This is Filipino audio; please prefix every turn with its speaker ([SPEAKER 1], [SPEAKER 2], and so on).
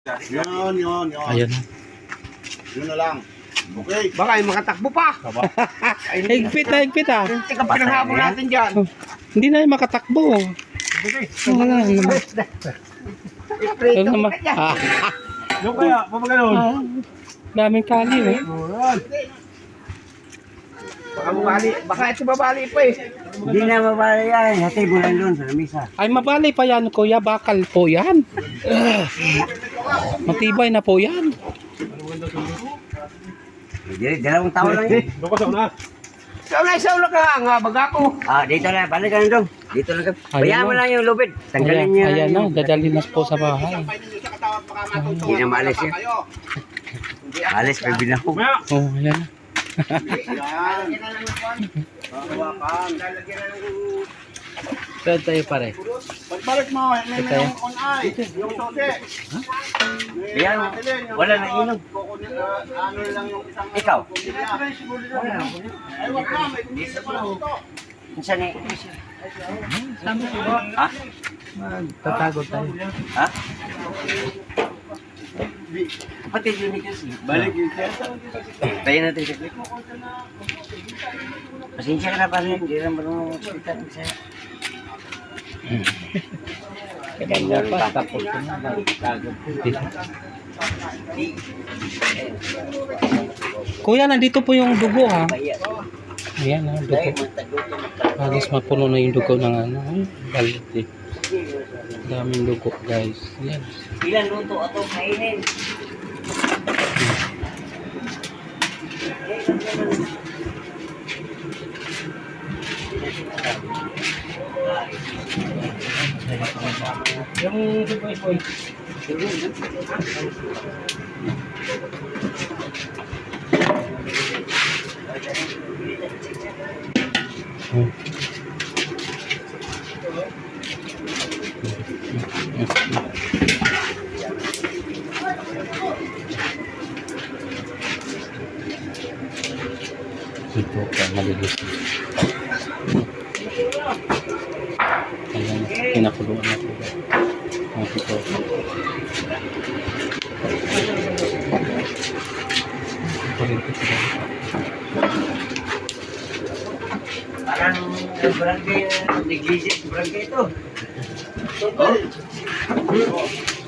[SPEAKER 1] Yun.
[SPEAKER 2] Ayan na.
[SPEAKER 1] Yun na lang. Okay.
[SPEAKER 3] Baka yung makatakbo pa.
[SPEAKER 2] Higpit ah.
[SPEAKER 3] Tika pa ng habol natin dyan.
[SPEAKER 2] Hindi na yung makatakbo. Wala naman.
[SPEAKER 3] Iprito
[SPEAKER 2] Ano naman?
[SPEAKER 3] ka dyan.
[SPEAKER 1] Yung kaya, papagano'n.
[SPEAKER 2] Daming kali eh.
[SPEAKER 3] Baka mabali. Baka ito babali pa eh.
[SPEAKER 4] Hindi na mabali yan. Hati mo lang doon sa lamisa.
[SPEAKER 2] Ay mabali pa yan kuya. Bakal po yan. Matibay na po yan.
[SPEAKER 4] Dalawang taon lang yun.
[SPEAKER 3] Sa una ka nga, baga ko.
[SPEAKER 4] Dito na. Balik ka na doon. Dito lang ka.
[SPEAKER 2] Ayan
[SPEAKER 4] Bayaan mo
[SPEAKER 2] na.
[SPEAKER 4] lang yung lubid. Tanggalin
[SPEAKER 2] Ayan,
[SPEAKER 4] niya.
[SPEAKER 2] ayan na. Dadalhin na po sa bahay.
[SPEAKER 4] Hindi na maalis yan. Alis, bibili ako.
[SPEAKER 2] Oh, ayan na. Saan tayo pare?
[SPEAKER 1] Pagbalik mo, may
[SPEAKER 2] Ito.
[SPEAKER 1] on eye. Yung sote.
[SPEAKER 4] Bayaan mo. Wala na inom.
[SPEAKER 1] Ano lang yung isang...
[SPEAKER 4] Ikaw?
[SPEAKER 1] Ay, wag na. May kumisa pa lang ito.
[SPEAKER 4] Minsan eh.
[SPEAKER 2] Tatago tayo.
[SPEAKER 4] Ha? Kapatid yun ni kasi. Balik yun siya. Tayo natin sa clip. Pasensya ka na pa rin. Hindi naman marunong salita ng saya.
[SPEAKER 2] Kaganda pa. Tapos na. Kuya, nandito po yung dugo ha. Ayan ha, dugo. Halos mapuno na yung dugo ng ano. Balde. Daming dugo guys. Ayan.
[SPEAKER 4] Ilan luto ato kainin? Yung boy.
[SPEAKER 2] Ito ka malilis. Ayan, pinakuluan na po. Ito. Ito rin po sila.
[SPEAKER 4] Parang barangay, negligent barangay ito.